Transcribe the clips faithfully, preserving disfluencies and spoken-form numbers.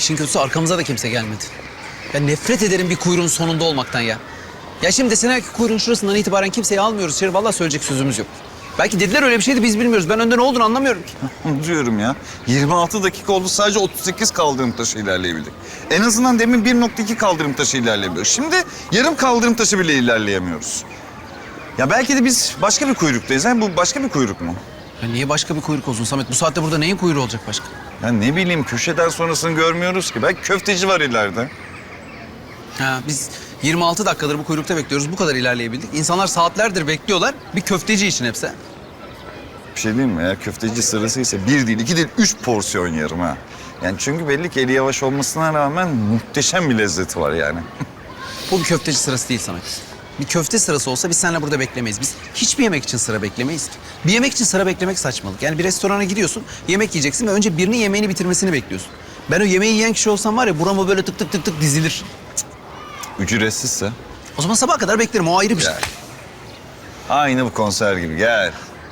İşin kötüsü arkamıza da kimse gelmedi. Ya nefret ederim bir kuyruğun sonunda olmaktan ya. Ya şimdi deseler ki kuyruğun şurasından itibaren kimseyi almıyoruz içeri. Vallahi söyleyecek sözümüz yok. Belki dediler öyle bir şeydi biz bilmiyoruz. Ben önde ne olduğunu anlamıyorum ki. Onu diyorum ya. yirmi altı dakika oldu, sadece otuz sekiz kaldırım taşı ilerleyebildik. En azından demin bir nokta iki kaldırım taşı ilerleyebiliyoruz. Şimdi yarım kaldırım taşı bile ilerleyemiyoruz. Ya belki de biz başka bir kuyruktayız. Ha? Bu başka bir kuyruk mu? Ya niye başka bir kuyruk olsun Samet? Bu saatte burada neyin kuyruğu olacak başka? Ya ne bileyim, köşeden sonrasını görmüyoruz ki. Belki köfteci var ileride. Ha, biz yirmi altı dakikadır bu kuyrukta bekliyoruz. Bu kadar ilerleyebildik. İnsanlar saatlerdir bekliyorlar. Bir köfteci için hepsi. Bir şey diyeyim mi? Eğer köfteci sırası ise bir değil, iki değil, üç porsiyon yerim ha. Yani çünkü belli ki eli yavaş olmasına rağmen muhteşem bir lezzeti var yani. Bu bir köfteci sırası değil Samet. Bir köfte sırası olsa biz seninle burada beklemeyiz. Biz hiçbir yemek için sıra beklemeyiz ki. Bir yemek için sıra beklemek saçmalık. Yani bir restorana gidiyorsun, yemek yiyeceksin ve önce birinin yemeğini bitirmesini bekliyorsun. Ben o yemeği yiyen kişi olsam var ya burama böyle tık tık tık tık dizilir. Ücretsizse? O zaman sabaha kadar beklerim, o ayrı bir şey. Gel. Aynı bu konser gibi, gel.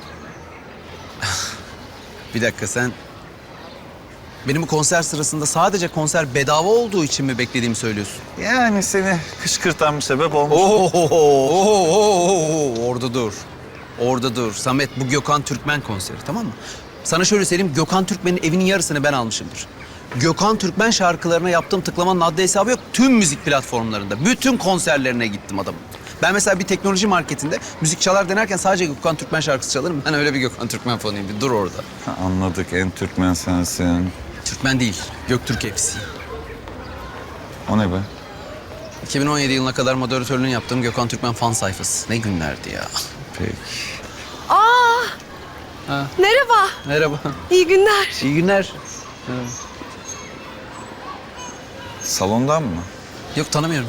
Bir dakika sen... Benim bu konser sırasında sadece konser bedava olduğu için mi beklediğimi söylüyorsun? Yani seni kışkırtan bir sebep olmuş. Oo, oo, oo, oo, orada dur. Orada dur. Samet, bu Gökhan Türkmen konseri, tamam mı? Sana şöyle söyleyeyim, Gökhan Türkmen'in evinin yarısını ben almışımdır. Gökhan Türkmen şarkılarına yaptığım tıklamanın adli hesabı yok. Tüm müzik platformlarında, bütün konserlerine gittim adamın. Ben mesela bir teknoloji marketinde müzik çalar denerken sadece Gökhan Türkmen şarkısı çalarım. Ben öyle bir Gökhan Türkmen fanıyım. Bir dur orada. Ha, anladık, en Türkmen sensin. Türkmen değil, Göktürk hepsi. O ne be? iki bin on yedi yılına kadar moderatörlüğünü yaptığım Gökhan Türkmen fan sayfası. Ne günlerdi ya. Peki. Aa, Ha. merhaba. Merhaba. İyi günler. İyi günler. Salondan mı? Yok, tanımıyorum.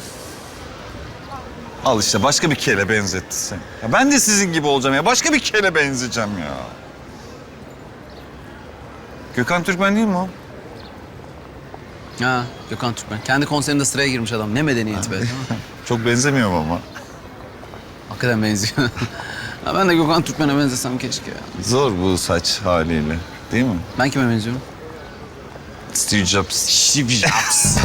Al işte, başka bir kele benzetti sen. Ya ben de sizin gibi olacağım ya. Başka bir kele benzeyeceğim ya. Gökhan Türkmen değil mi o? Ha, Gökhan Türkmen. Kendi konserinde sıraya girmiş adam. Ne medeniyeti be. Çok benzemiyorum ama. Hakikaten benziyor. Ha, ben de Gökhan Türkmen'e benzesem keşke ya. Zor bu saç haliyle, değil mi? Ben kime benziyorum? Steve Jobs. Steve Jobs.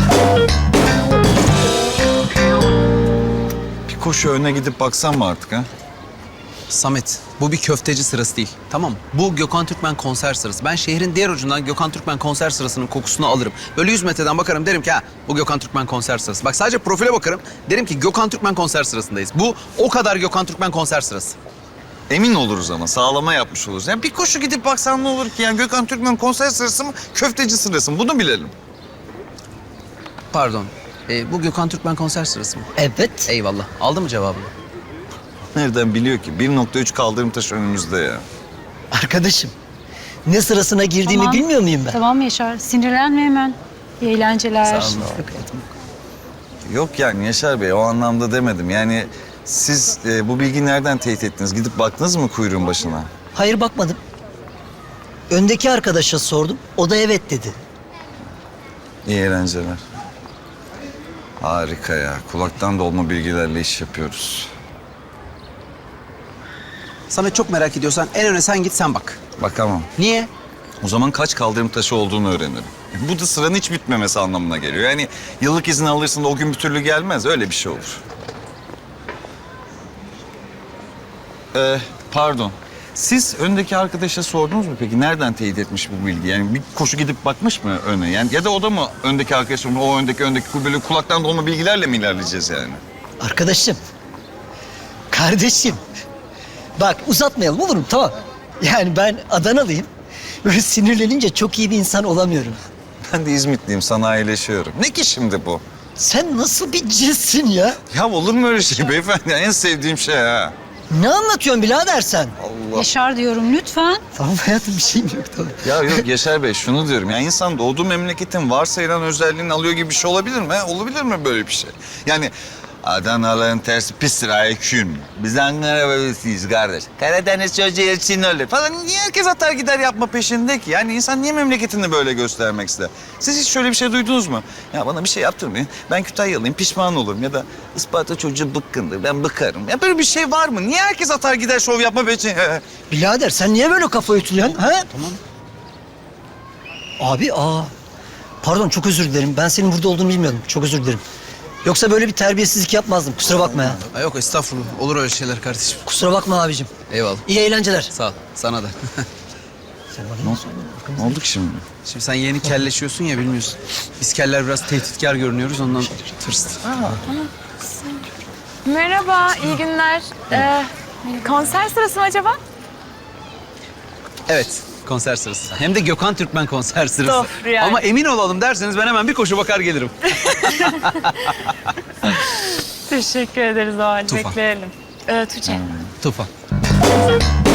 Bir koşu öne gidip baksan mı artık ha? Samet, bu bir köfteci sırası değil. Tamam mı? Bu Gökhan Türkmen konser sırası. Ben şehrin diğer ucundan Gökhan Türkmen konser sırasının kokusunu alırım. Böyle yüz metreden bakarım, derim ki ha bu Gökhan Türkmen konser sırası. Bak sadece profile bakarım, derim ki Gökhan Türkmen konser sırasındayız. Bu o kadar Gökhan Türkmen konser sırası. Emin oluruz ama, sağlama yapmış oluruz. Yani bir koşu gidip baksan ne olur ki? Yani Gökhan Türkmen konser sırası mı, köfteci sırası mı? Bunu bilelim. Pardon, e, bu Gökhan Türkmen konser sırası mı? Evet. Eyvallah. Aldın mı cevabını? Nereden biliyor ki? bir nokta üç kaldırım taşı önümüzde ya. Arkadaşım, ne sırasına girdiğimi Tamam. bilmiyor muyum ben? Tamam Yaşar, sinirlenme hemen. İyi eğlenceler. Sağ olun. Yok yani Yaşar Bey, o anlamda demedim. Yani siz e, bu bilgiyi nereden teyit ettiniz? Gidip baktınız mı kuyruğun başına? Hayır, bakmadım. Öndeki arkadaşa sordum. O da evet dedi. İyi eğlenceler. Harika ya. Kulaktan dolma bilgilerle iş yapıyoruz. Samet, çok merak ediyorsan en öne sen git, sen bak. Bakamam. Niye? O zaman kaç kaldırım taşı olduğunu öğrenirim. Bu da sıranın hiç bitmemesi anlamına geliyor. Yani yıllık izin alırsın da o gün bir türlü gelmez. Öyle bir şey olur. Ee, pardon. Siz öndeki arkadaşa sordunuz mu peki? Nereden teyit etmiş bu bilgi? Yani bir koşu gidip bakmış mı öne? Yani ya da o da mı öndeki arkadaşım, o öndeki öndeki böyle kulaktan dolma bilgilerle mi ilerleyeceğiz yani? Arkadaşım. Kardeşim. Bak, uzatmayalım olur mu? Tamam. Yani ben Adanalıyım. Böyle sinirlenince çok iyi bir insan olamıyorum. Ben de İzmitliyim, sanayileşiyorum. Ne ki şimdi bu? Sen nasıl bir cinssin ya? Ya olur mu öyle şey beyefendi? En sevdiğim şey ha. Ne anlatıyorsun birader sen? Allah. Yaşar diyorum lütfen. Tamam hayatım, bir şeyim yok tamam. Ya yok Yaşar Bey, şunu diyorum. Ya insan doğduğu memleketin varsayılan özelliğini alıyor gibi bir şey olabilir mi? he? Olabilir mi böyle bir şey? Yani Adanalı'nın tersi pistir aykün. Biz Ankara bebesiyiz kardeş. Karadeniz çocuğu için öyle falan. Niye herkes atar gider yapma peşinde ki? Yani insan niye memleketini böyle göstermek ister? Siz hiç şöyle bir şey duydunuz mu? Ya bana bir şey yaptırmayın. Ben Kütahyalıyım, pişman olurum. Ya da Isparta çocuğu bıkkındır, ben bıkarım. Ya böyle bir şey var mı? Niye herkes atar gider şov yapma peşinde? Birader sen niye böyle kafa ütülüyorsun ha? Tamam. Abi aa. Pardon, çok özür dilerim. Ben senin burada olduğunu bilmiyordum. Çok özür dilerim. Yoksa böyle bir terbiyesizlik yapmazdım. Kusura bakma ya. Ha, yok estağfurullah. Olur öyle şeyler kardeşim. Kusura bakma abicim. Eyvallah. İyi eğlenceler. Sağ ol. Sana da. Sen bana ne sordun? Ne oldu ki şimdi? Şimdi sen yeni kelleşiyorsun ya bilmiyorsun. Biz keller biraz tehditkar görünüyoruz ondan tırstım. Merhaba, iyi günler. Ee, konser sırası mı acaba? Evet. Konser sırası. Hem de Gökhan Türkmen konser sırası. Of, yani. Ama emin olalım derseniz ben hemen bir koşu bakar gelirim. Teşekkür ederiz o halde. Tufan. Bekleyelim. Ee, Tuğçe. Tufan.